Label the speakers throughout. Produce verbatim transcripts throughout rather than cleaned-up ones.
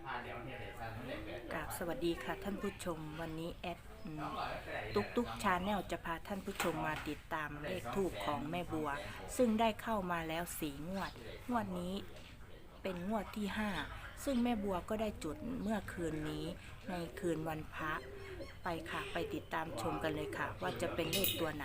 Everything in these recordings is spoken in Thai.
Speaker 1: กราบสวัสดีค่ะท่านผู้ชมวันนี้แอดตุ๊กตุ๊กชาแนลจะพาท่านผู้ชมมาติดตามเลขทูปของแม่บัวซึ่งได้เข้ามาแล้วสี่งวดงวดนี้เป็นงวดที่ห้าซึ่งแม่บัวก็ได้จุดเมื่อคืนนี้ในคืนวันพระไปค่ะไปติดตามชมกันเลยค่ะว่าจะเป็นเลขตัวไหน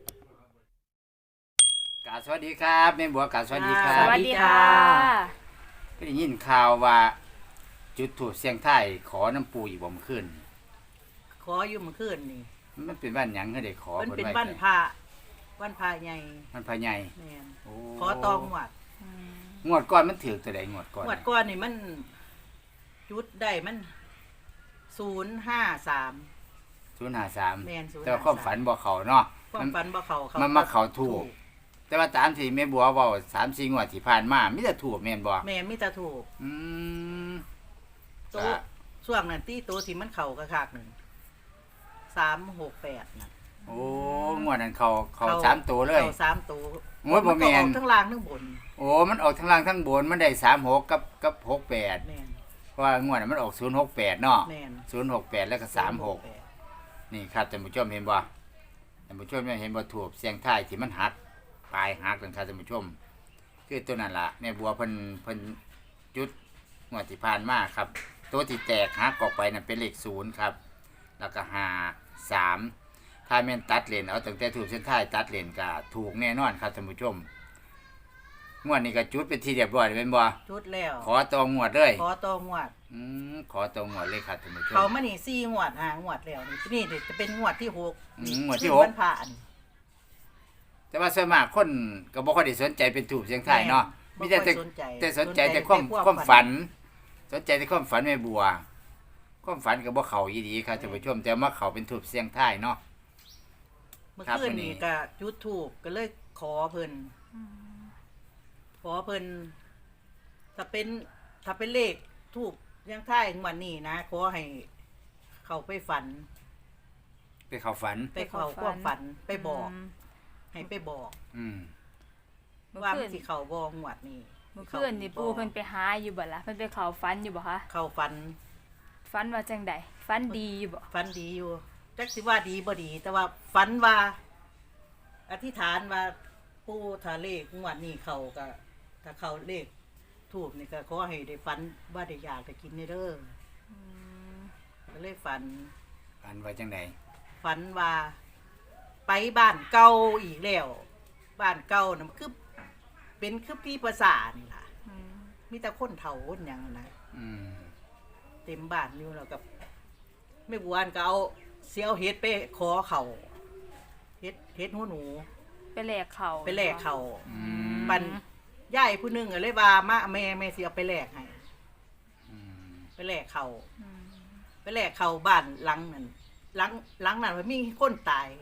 Speaker 2: กราบสวัสดีครับแม่บัวกราบสวัสดีครับ
Speaker 1: สวัสดีค่ะ
Speaker 2: ก็ได้ยินข่าวว่าจุดถูกเสียงไทายขอน้ำปูอีกบ่มขึ้น
Speaker 3: ขออยู่เมื่อคืนนี่
Speaker 2: มันเป็นบ้านหยังให้ได้ขอ
Speaker 3: มันเป็น
Speaker 2: ไว้
Speaker 3: บ้านพระบ้านพระใหญ่
Speaker 2: มันพะใหญ่
Speaker 3: แม่น
Speaker 2: โอ้
Speaker 3: ขอตองหวัด
Speaker 2: งวดก่อนมันถือตัวใดงวดก่อน
Speaker 3: หวัดก้อนนี่มันจุดได้มันศูนย์ห้าสาม
Speaker 2: ศูนย์ห้าสาม
Speaker 3: แม่นศูนย์
Speaker 2: แต่ว่าความฝันบ่เขาเนาะ
Speaker 3: ความฝันบ่เขาเขา
Speaker 2: มันมาเขาถูก แต่ว่าตามที่แม่บัวเว้าสามสี่งวดที่ผ่านมามีแต่ถูกแม่นบ่
Speaker 3: แม่นมีแต่ถูก
Speaker 2: อืม
Speaker 3: โตะช่วงนั้นที่โตะที่มันเข่ากระคากหนึ่งสามหกแปดน่ะ
Speaker 2: โอ้งวดนั้นเขาเขาสามตัวเลย
Speaker 3: เขาสามตัว
Speaker 2: โอ้ยบ่แม่น
Speaker 3: นก็ออกทั้งล่างทั้งบน
Speaker 2: โอ้มันออกทั้งล่างทั้งบนมันได้สามหกกับกับหกแปด
Speaker 3: แม่น
Speaker 2: เพราะว่างวดนั้นมันออกศูนย์หกแปดเนาะ
Speaker 3: แม่น
Speaker 2: ศูนย์หกแปดแล้วก็สามหกนี่ครับท่านผู้ชมเห็นบ่ท่านผู้ชมเห็นบ่ถูกเสียงท้ายที่มันหักปลายหักนั่นครับท่านผู้ชมคือตัวนั้นล่ะแม่บัวเพิ่นเพิ่นจุดงวดที่ผ่านมาครับตัวที่แตกหักออกไปนั่นเป็นเลขศูนย์ครับแล้วก็ห้าสามถ้าแม่นตัดเลนเอาตั้งแต่ถูกเส้นท้ายตัดเลนก็ถูกแน่นอนครับท่านผู้ชมงวดนี้ก็จุดเป็นที่เรียบร้อยแล้วแม่นบ่
Speaker 3: จุดแล้ว
Speaker 2: ขอตองวดเลย
Speaker 3: ขอตองหวัด
Speaker 2: อืมขอตองวดเลยครับท่านผู้ชม
Speaker 3: เขามานี่สี่งวดหางวดแล้วนี่นี่เดี๋ยวจะเป็นงวดที่หก
Speaker 2: อืมงวดที่หก
Speaker 3: มันผ่าน
Speaker 2: แต่ว่าส่วนมากคนก็บ่ค่อยได้สนใจเป็นถูกเสียงไทายเนาะ
Speaker 3: แม่
Speaker 2: มีแต่
Speaker 3: บ่ค่
Speaker 2: แต่
Speaker 3: อยสนใจ
Speaker 2: แต่สนใจแต่
Speaker 3: สนใจ
Speaker 2: ความ
Speaker 3: แต่ความ
Speaker 2: ความ
Speaker 3: ฝั
Speaker 2: ฝั
Speaker 3: น
Speaker 2: น สนใจแต่ความฝันแม่บัว ความฝันก็บ่เข้าอีหลีครับท่านผู้ชมแต่มาเข้าเป็นถูกเสียงไทายเนาะ
Speaker 3: เมื่อ
Speaker 2: ครับ
Speaker 3: คืน
Speaker 2: วันนี้
Speaker 3: นี้ก็จุดถูกก็เลยขอเพิ่นขอเพิ่นถ้าเป็นถ้าเป็นเลขถูกยังท้ายงวดนี้นะขอให้เขาไปฝัน
Speaker 2: ไปเข้าฝัน
Speaker 3: ไปเขาความฝันไปบอก ให้ไปบอก
Speaker 2: อืม
Speaker 4: เมื่อ
Speaker 3: ว่า
Speaker 4: คื
Speaker 3: มัน นสิเขาบองวดนี้
Speaker 4: เมื่อคืนนี่ปูเพิ่นไปหาอยู่บ่ล่ะเพิ่นไปเขาฟันอยู่บ่คะ
Speaker 3: เขาฝัน
Speaker 4: ฟันว่าจังใดฟันดีอยู่บ่
Speaker 3: ฝันดีอยู่จักสิว่าดีบ่ดี แต่ว่าฝันว่า อธิษฐานว่าผู้ถ้าเลขงวดนี้เขาก็ถ้าเขาเลขถูกนี่ก็ขอให้ได้ฝันว่าได้อยากได้กินในเด้ออก็เลยฝัน
Speaker 2: ฝันว่าจังได๋
Speaker 3: ฝันว่า ไปบ้านเก่าอีกแล้ว บ้านเก่าน่ะมันคือเป็นคือพี่ภาษานี่ล่ะ
Speaker 4: อืม
Speaker 3: มีแต่คนเฒ่าคนหยังนั่นนะ
Speaker 2: อืม
Speaker 3: เต็มบ้านอยู่แล้วกับไม่บวนก็เอาเสียวเฮ็ดไปขอเขาเฮ็ดเฮ็ดหัวหนู
Speaker 4: ไปแลกเขา
Speaker 3: ไปแลกเขา
Speaker 2: อืม
Speaker 3: ปันยายผู้หนึงก็เลยว่ามาแม่แม่สิเอาไปแลกให้
Speaker 2: อืม
Speaker 3: ไปแลกเขา
Speaker 4: อืม
Speaker 3: ไปแลกเขาบ้านหลังนั้นหลังหลังนั้นมันมีคนตาย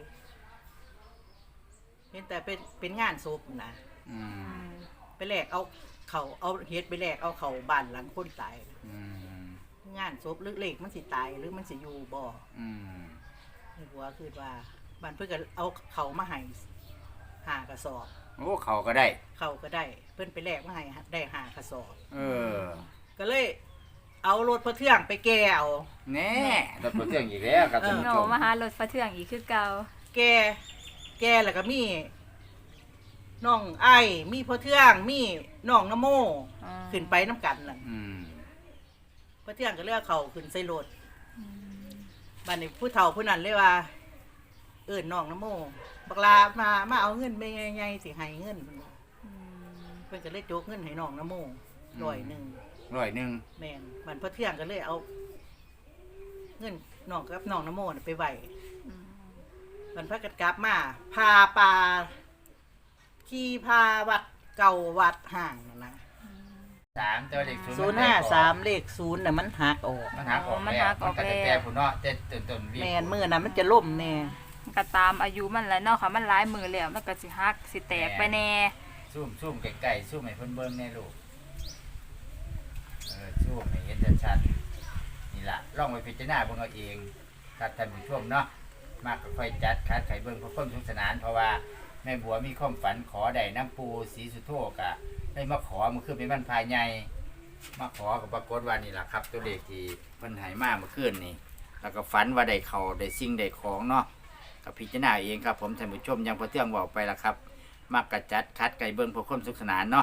Speaker 3: เห็นแต่เป็นเป็นงานศพนะ
Speaker 2: อื
Speaker 4: อื
Speaker 2: ม
Speaker 4: ม
Speaker 3: ไปแลกเอาเขาเอาเฮ็ดไปแลกเอาเขาบ้านหลังคนตาย
Speaker 2: อืม
Speaker 3: งานศพหรือเลขมันสิตายหรือมันสิอยู่บ่
Speaker 2: อืม
Speaker 3: ในหัวคือว่าบ้านเพื่อนก็เอาเขามาให้หากระสอบ
Speaker 2: โอ้เขาก็ได้
Speaker 3: เขาก็ได้ เพื่อนไปแลกมาให้ได้หากระสอบ
Speaker 2: เออ
Speaker 3: ก็เลย เอารถพระเทืองไปแก้เอา
Speaker 2: แน่รถเที่ยงอีกแล้วครับท่านผู้
Speaker 4: โง่
Speaker 2: ชม
Speaker 4: มาหารถฟ้าเทืองอีกคือเก่า
Speaker 3: แก้แก้แล้วก็มีน้องไอ้มีพระเทืองมีน้องนโม
Speaker 4: อ่า
Speaker 3: ขึ้นไปน้ำกันนั่น
Speaker 2: อืม
Speaker 3: พระเทืองก็เลือกเขาขึ้นใส่รถ
Speaker 4: อืม
Speaker 3: บ้านนี้ผู้เฒ่าผู้นั้นเลยว่า เอิ้นน้องนโมบักลามามาเอาเงินไปไงๆสิให้เงิน
Speaker 4: อืม
Speaker 3: เพิ่นก็เลยโจกเงินให้น้องนโมร้อยหนึ่ง
Speaker 2: ร้อยหนึง
Speaker 3: แม่นมันพระเที่ยงก็เลยเอา เงินน้องกับน้องนโมน่ะไปไหว
Speaker 4: อืม
Speaker 3: มันพระกัดกลับมาพาปลาขี่พาวัดเก่าวัดห่างนั่นนะ
Speaker 2: สามตัวเลข
Speaker 3: ศูนย์ห้าสามเลขศูนย์น่ะมันหักออก
Speaker 2: มันหักออกแล้วมันก็จะแก้ผุนเนาะแต่ต้นๆวิ่ง
Speaker 3: แม่นมือน่ะมันจะล่มแน่
Speaker 4: มันก็ตามอายุมันแหล้วเนาะค่ะมันหลายมือแล้วมันก็สิหักสิแตกไปแน่
Speaker 2: ซูมซูมใกล้ๆซูมให้เพิ่นเบิ่งแน่ลูกเออซูมให้เห็นชัดๆนี่ล่ะลองไปพิจารณาเบิ่งเอาเองครับท่านผู้ชมเนาะมากก็ค่อยจัดคัดไขเบิ่งเพื่อความสนุกสนานเพราะว่าแม่บัวมีความฝันขอได้น้ำปูสีสุโธกะได้มาขอมันคือเป็นบ้านภายใหญ่มาขอกับปรากฏว่านี่ล่ะครับ ตัวเลขที่เพิ่นให้มาเมื่อคืนนี่แล้วก็ฝันว่าได้เขาได้สิ่งได้ของเนาะกับพิจารณาเองครับผมท่านผู้ชมยังพอเที่ยงบอกไปละครับมักกระจัดคัดไก่เบิ้งเพื่อความสุขสนานเนาะ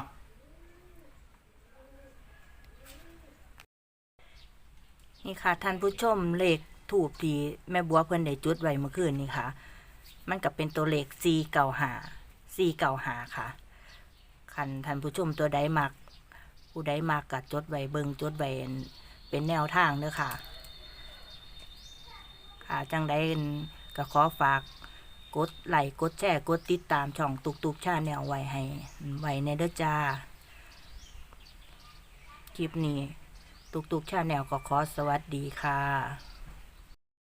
Speaker 1: นี่ค่ะท่านผู้ชมเลขถูกที่แม่บัวเพิ่นได้จุดไว้เมื่อคืนนี่ค่ะ มันก็เป็นตัวเลขสี่เก้าห้า สี่เก้าห้าค่ะคันท่านผู้ชมตัวใดมัก ผู้ใดมักก็จดไว้เบิ่งจดไว้เป็นแนวทางเด้อค่ะ ค่ะจังใดก็ขอฝากกดไลค์กดแชร์กดติดตามช่องตุกตุกชาแนลไว้ให้ไว้ในเด้อจ้า คลิปนี้ตุกตุกชาแนลก็ขอสวัสดีค่ะ